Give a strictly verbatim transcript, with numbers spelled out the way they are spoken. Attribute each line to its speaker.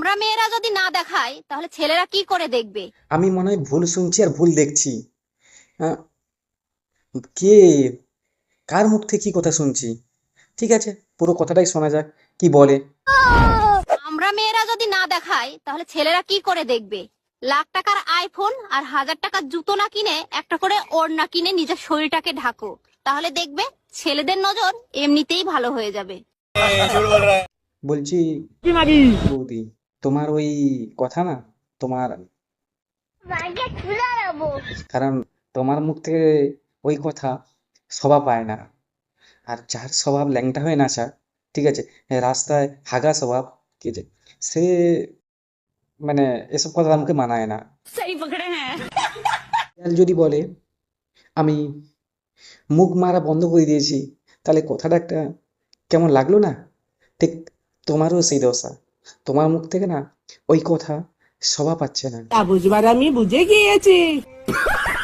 Speaker 1: আমরা মেয়েরা যদি না দেখাই তাহলে ছেলেরা কি করে দেখবে?
Speaker 2: আমি মনে হয় ভুল শুনছি আর ভুল দেখছি। আহ, কে, কার মুখ থেকে কি কথা শুনছি? ঠিক আছে, পুরো কথাটাই শোনা যাক, কি বলে।
Speaker 1: আমরা মেয়েরা যদি না দেখাই তাহলে ছেলেরা কি করে দেখবে? লাখ টাকার আইফোন আর হাজার টাকার জুতো না কিনে একটা করে ওড়না কিনে নিজের শরীরটাকে ঢাকো, তাহলে দেখবে ছেলেদের নজর এমনিতেই ভালো হয়ে যাবে।
Speaker 2: বলছি বৌদি, তোমার ওই কথা না, তোমার, কারণ তোমার মুখ থেকে ওই কথা শোভা পায় না। আর যার স্বভাব ল্যাংটা হয়ে নাচা, ঠিক আছে, রাস্তায় হাগা স্বভাব, ঠিক আছে, সে মানে এসব কথা আমাকে মানায় না। আর যদি বলে আমি মুখ মারা বন্ধ করে দিয়েছি, তাহলে কথাটা একটা কেমন লাগলো না? ঠিক তোমারও সেই দশা, তোমার মুখ থেকে না ওই কথা শোভা পাচ্ছে না।
Speaker 3: তা বুঝবার আমি বুঝে গিয়েছি।